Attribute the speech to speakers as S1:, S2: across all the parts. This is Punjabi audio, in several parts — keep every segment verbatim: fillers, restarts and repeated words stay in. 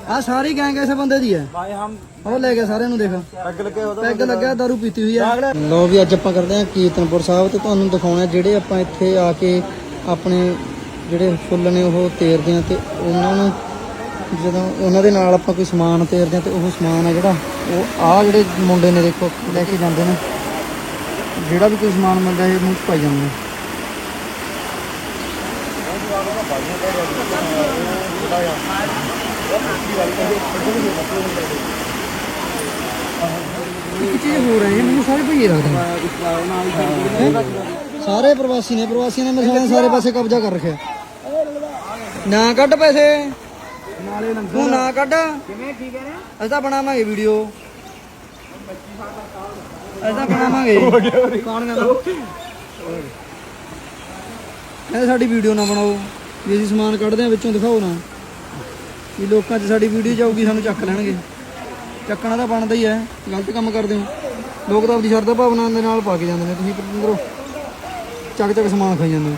S1: ਆ ਸਾਰੀ ਗੈਂਗ ਇਸੇ ਬੰਦੇ ਦੀ ਹੈ
S2: भाई हम
S1: ਉਹ ਲੈ ਗਿਆ ਸਾਰਿਆਂ ਨੂੰ ਦੇਖ
S2: पैग लगे होता
S1: ਪੈਗ ਲੱਗਾ ਦਾਰੂ ਪੀਤੀ ਹੋਈ ਆ। ਲੋ ਵੀ ਅੱਜ ਆਪਾਂ ਕਰਦੇ ਆ ਕੀਰਤਨਪੁਰ ਸਾਹਿਬ ਤੇ ਤੁਹਾਨੂੰ ਦਿਖਾਉਣਾ ਜਿਹੜੇ ਆਪਾਂ ਇੱਥੇ ਆ ਕੇ ਆਪਣੇ ਜਿਹੜੇ ਫੁੱਲ ਨੇ ਉਹ ਤੇਰਦੇ ਆ ਤੇ ਉਹਨਾਂ ਨੂੰ ਜਦੋਂ ਉਹਨਾਂ ਦੇ ਨਾਲ ਆਪਾਂ ਕੋਈ ਸਮਾਨ ਤੇਰਦੇ ਆ ਤੇ ਉਹ ਸਮਾਨ ਆ ਜਿਹੜਾ ਉਹ ਆ ਜਿਹੜੇ ਮੁੰਡੇ ਨੇ ਦੇਖੋ ਲੈ ਕੇ ਜਾਂਦੇ ਨੇ ਜਿਹੜਾ ਵੀ ਕੋਈ ਸਮਾਨ ਮਿਲਦਾ ਇਹ ਮੂੰਹ 'ਚ ਪਾਈ ਜਾਂਦੇ ਨੇ। ਇੱਕ ਚੀਜ਼ ਹੋ ਰਹੀ ਹੈ ਮੈਨੂੰ ਸਾਰੇ ਭਈਏ ਲੱਗਦੇ ਸਾਰੇ ਪ੍ਰਵਾਸੀ ਨੇ ਪ੍ਰਵਾਸੀਆਂ ਨੇ ਮੇਰੇ ਸਾਰੇ ਪਾਸੇ ਕਬਜ਼ਾ ਕਰ ਰੱਖਿਆ। ਨਾ ਕੱਢ ਪੈਸੇ ਤੂੰ ਨਾ ਕੱਢ ਅਸੀਂ ਤਾਂ ਬਣਾਵਾਂਗੇ ਵੀਡੀਓ ਅਸੀਂ ਤਾਂ ਬਣਾਵਾਂਗੇ ਕੌਣ ਕਹਿੰਦਾ ਕਹਿੰਦੇ ਸਾਡੀ ਵੀਡੀਓ ਨਾ ਬਣਾਓ ਵੀ ਅਸੀਂ ਸਮਾਨ ਕੱਢਦੇ ਆ ਵਿੱਚੋਂ ਦਿਖਾਓ ਨਾ ਵੀ ਲੋਕਾਂ 'ਚ ਸਾਡੀ ਵੀਡੀਓ ਜਾਊਗੀ ਸਾਨੂੰ ਚੱਕ ਲੈਣਗੇ। ਚੱਕਣਾ ਤਾਂ ਬਣਦਾ ਹੀ ਹੈ ਗਲਤ ਕੰਮ ਕਰਦੇ ਹੋ ਲੋਕ ਤਾਂ ਆਪਣੀ ਸ਼ਰਧਾ ਭਾਵਨਾ ਦੇ ਨਾਲ ਪਾ ਕੇ ਜਾਂਦੇ ਨੇ ਤੁਸੀਂ ਅੰਦਰੋਂ ਚੱਕ ਚੱਕ ਸਮਾਨ ਖਾਈ ਜਾਂਦੇ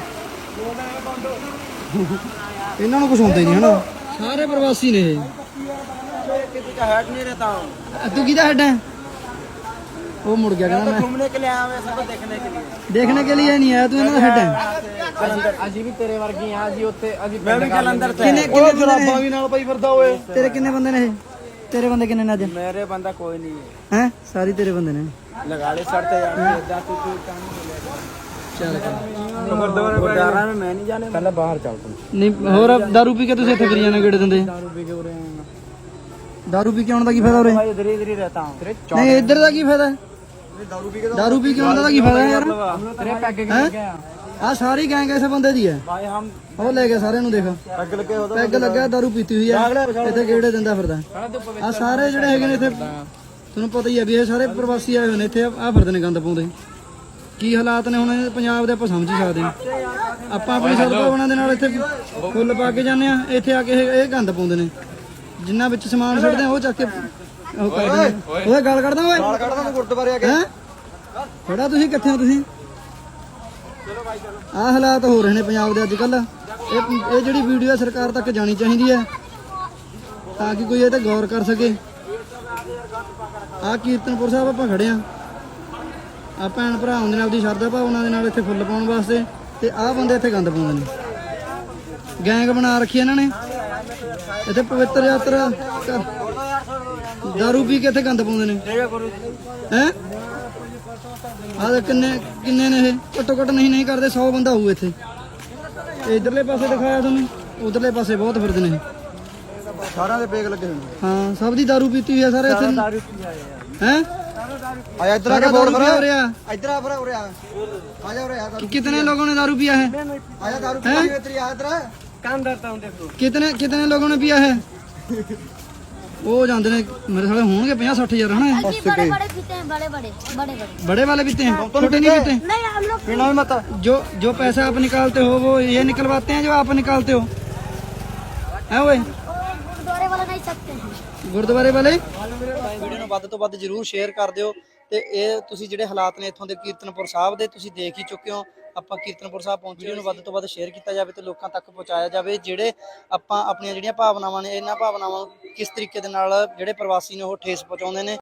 S1: ਇਹਨਾਂ ਨੂੰ ਕੁਛ ਹੁੰਦਾ ਹੀ ਨਹੀਂ ਹਨਾ ਸਾਰੇ ਪ੍ਰਵਾਸੀ ਨੇ ਇਹ।
S2: हेड नहीं रहता हूँ
S1: ਤੂੰ ਕਿਹਦਾ ਹੈਡ ਹੈ ਉਹ ਮੁੜ ਗਿਆ ਕਹਿੰਦਾ ਮੈਂ
S2: घूमने के लिए आया हुए सबको देखने के लिए
S1: ਦੇਖਣੇ ਕੇ ਲਈ ਨਹੀਂ ਆਇਆ ਤੂੰ ਇਹਨਾਂ ਦਾ ਹੈਡ ਹੈ।
S2: अजी भी तेरे वर्गी यहाँ जी होते अजी मैं भी जलंधर से
S1: ਕਿੰਨੇ ਕਿੰਨੇ
S2: जराबा भी नाल पाई फिरदा ओए
S1: ਤੇਰੇ ਕਿੰਨੇ ਬੰਦੇ ਨੇ ਇਹ ਤੇਰੇ ਬੰਦੇ ਕਿੰਨੇ ਨੇ ਅੱਜ
S2: मेरे बंदा कोई नहीं है
S1: ਹੈ ਸਾਰੇ ਤੇਰੇ ਬੰਦੇ ਨੇ
S2: लगा ले सर ते यार जा तू तू
S1: ਚੱਲ
S2: गुरुद्वारा में मैं नहीं जाने पहले बाहर चल तू
S1: ਨਹੀਂ ਹੋਰ ਦਾਰੂ ਪੀ ਕੇ ਤੁਸੀਂ ਇੱਥੇ ਫਿਰੀ ਜਾਂਦੇ ਗੇੜੇ ਦਿੰਦੇ
S2: दारू पी के उरे
S1: ਦਾਰੂ ਪੀ ਕੇ ਆਉਣ ਦਾ ਕੀ ਫਾਇਦਾ ਉਰੇ
S2: भाई इधर इधर ही रहता हूँ तेरे
S1: ਨਹੀਂ ਇੱਧਰ ਦਾ ਕੀ ਫਾਇਦਾ
S2: दारू पी के
S1: ਦਾਰੂ ਪੀ ਕੇ ਆਉਣ ਦਾ ਕੀ ਫਾਇਦਾ ਯਾਰ
S2: तेरे पैग के
S1: ਹੈਂ? ਆ ਸਾਰੀ ਗੈਂਗ ਇਸੇ ਬੰਦੇ ਦੀ ਹੈ
S2: भाई हम
S1: ਉਹ ਲੈ ਗਿਆ ਸਾਰਿਆਂ ਨੂੰ ਦੇਖ
S2: पैग लगे होता
S1: ਪੈਗ ਲੱਗਾ ਦਾਰੂ ਪੀਤੀ ਹੋਈ ਆ ਇੱਥੇ ਗੇੜੇ ਦਿੰਦਾ ਫਿਰਦਾ ਆ ਸਾਰੇ ਜਿਹੜੇ ਹੈਗੇ ਨੇ ਇੱਥੇ ਤੁਹਾਨੂੰ ਪਤਾ ਹੀ ਆ ਵੀ ਇਹ ਸਾਰੇ ਪ੍ਰਵਾਸੀ ਆਏ ਹੋਏ ਨੇ ਇੱਥੇ ਆ ਫਿਰਦੇ ਨੇ ਗੰਦ ਪਾਉਂਦੇ ਕੀ ਹਾਲਾਤ ਨੇ ਹੁਣ ਇਹ ਪੰਜਾਬ ਦੇ ਆਪਾਂ ਸਮਝ ਹੀ ਸਕਦੇ ਹਾਂ। ਆਪਾਂ ਆਪਣੀ ਸਦਭਾਵਨਾ ਦੇ ਨਾਲ ਇੱਥੇ ਫੁੱਲ ਪਾ ਕੇ ਜਾਂਦੇ ਆ ਇੱਥੇ ਆ ਕੇ ਇਹ ਇਹ ਗੰਦ ਪਾਉਂਦੇ ਨੇ ਜਿੰਨਾ ਵਿੱਚ ਸਮਾਨ ਛੱਡਦੇ ਆ ਉਹ ਚੱਕ ਕੇ ਉਹ ਕਰਦੇ ਨੇ ਓਏ ਗਾਲ ਕੱਢਦਾ ਓਏ
S2: गल कड़दा तू गुरुद्वारे आ
S1: ਹੈਂ ਥੋੜਾ ਤੁਸੀਂ ਕਿੱਥੇ ਹੋ ਤੁਸੀਂ ਆਹ ਹਾਲਾਤ ਹੋ ਰਹੇ ਨੇ ਪੰਜਾਬ ਦੇ ਅੱਜ ਕੱਲ ਇਹ ਇਹ ਜਿਹੜੀ ਵੀਡੀਓ ਹੈ ਸਰਕਾਰ ਤੱਕ ਜਾਣੀ ਚਾਹੀਦੀ ਹੈ ਤਾਂ ਕਿ ਕੋਈ ਇਹ ਤੇ ਗੌਰ ਕਰ ਸਕੇ। ਆਹ ਕੀਰਤਨਪੁਰ ਸਾਹਿਬ ਆਪਾਂ ਖੜੇ ਆ ਆ ਭੈਣ ਭਰਾ ਆਉਂਦੇ ਨੇ ਆਪਦੀ ਸ਼ਰਧਾ ਭਾਵਨਾ ਦੇ ਨਾਲ ਇੱਥੇ ਫੁੱਲ ਪਾਉਣ ਵਾਸਤੇ ਤੇ ਆਹ ਬੰਦੇ ਇੱਥੇ ਗੰਦ ਪਾਉਂਦੇ ਨੇ ਗੈਂਗ ਬਣਾ ਰੱਖੀ ਇਹਨਾਂ ਨੇ ਇੱਥੇ ਪਵਿੱਤਰ ਯਾਤਰਾ ਦਾਰੂ ਪੀ ਕੇ ਇੱਥੇ ਗੰਦ ਪਾਉਂਦੇ ਨੇ ਹੈ ਆਹ ਕਿੰਨੇ ਕਿੰਨੇ ਨੇ ਇਹ ਘੱਟੋ ਘੱਟ ਨਹੀਂ ਨਹੀਂ ਕਰਦੇ ਸੌ ਬੰਦਾ ਹੋਊ ਇੱਥੇ ਇਧਰਲੇ ਪਾਸੇ ਦਿਖਾਇਆ ਤੁਹਾਨੂੰ ਉਧਰਲੇ ਪਾਸੇ ਬਹੁਤ ਫਿਰਦੇ ਨੇ
S2: सारा दे पेग लगे होंगे
S1: ਹਾਂ ਸਭ ਦੀ ਦਾਰੂ ਪੀਤੀ ਹੋਈ ਆ ਸਾਰੇ ਇੱਥੇ
S2: दारू पी आए यार
S1: ਹੈ
S2: आया इधर
S1: आके बोर्ड पर हो रहा
S2: इधर आ पर उरे आ आ जा उरे आ
S1: कितने लोगों ने दारू पिया है
S2: आया दारू पी के इधर आ इधर काम करता हूं देखो
S1: कितने कितने लोगों ने पिया है ਉਹ ਜਾਂਦੇ ਨੇ ਮੇਰੇ ਸਾਲੇ ਹੋਣਗੇ ਪੰਜਾਹ ਸੱਠ ਹਜ਼ਾਰ ਹਨਾ
S3: बड़े बड़े पीते हैं बड़े बड़े बड़े बड़े
S1: बड़े वाले पीते हैं छोटे नहीं पीते
S3: नहीं हम लोग
S2: पीना भी मत
S1: जो जो पैसा आप निकालते हो वो ये निकलवाते हैं जो आप निकालते हो है ओए
S3: गुरुद्वारे वाला नहीं सकते हैं
S1: ਗੁਰਦੁਆਰੇ ਵਾਲੇ ਵੀਡੀਓ ਨੂੰ ਵੱਧ ਤੋਂ ਵੱਧ ਜਰੂਰ ਸ਼ੇਅਰ ਕਰ ਦਿਓ ਤੇ ਇਹ ਤੁਸੀਂ ਜਿਹੜੇ ਹਾਲਾਤ ਨੇ ਇੱਥੋਂ ਦੇ ਕੀਰਤਨਪੁਰ ਸਾਹਿਬ ਦੇ ਤੁਸੀਂ ਦੇਖ ਹੀ ਚੁੱਕੇ ਹੋ। ਆਪਾਂ ਕੀਰਤਨਪੁਰ ਸਾਹਿਬ ਪਹੁੰਚੇ ਨੂੰ ਵੱਧ ਤੋਂ ਵੱਧ ਸ਼ੇਅਰ ਕੀਤਾ ਜਾਵੇ ਤੇ ਲੋਕਾਂ ਤੱਕ ਪਹੁੰਚਾਇਆ ਜਾਵੇ ਜਿਹੜੇ ਆਪਾਂ ਆਪਣੀਆਂ ਜਿਹੜੀਆਂ ਭਾਵਨਾਵਾਂ ਨੇ ਇਹਨਾਂ ਭਾਵਨਾਵਾਂ ਨੂੰ ਕਿਸ ਤਰੀਕੇ ਦੇ ਨਾਲ ਜਿਹੜੇ ਪ੍ਰਵਾਸੀ ਨੇ ਉਹ ਠੇਸ ਪਹੁੰਚਾਉਂਦੇ ਨੇ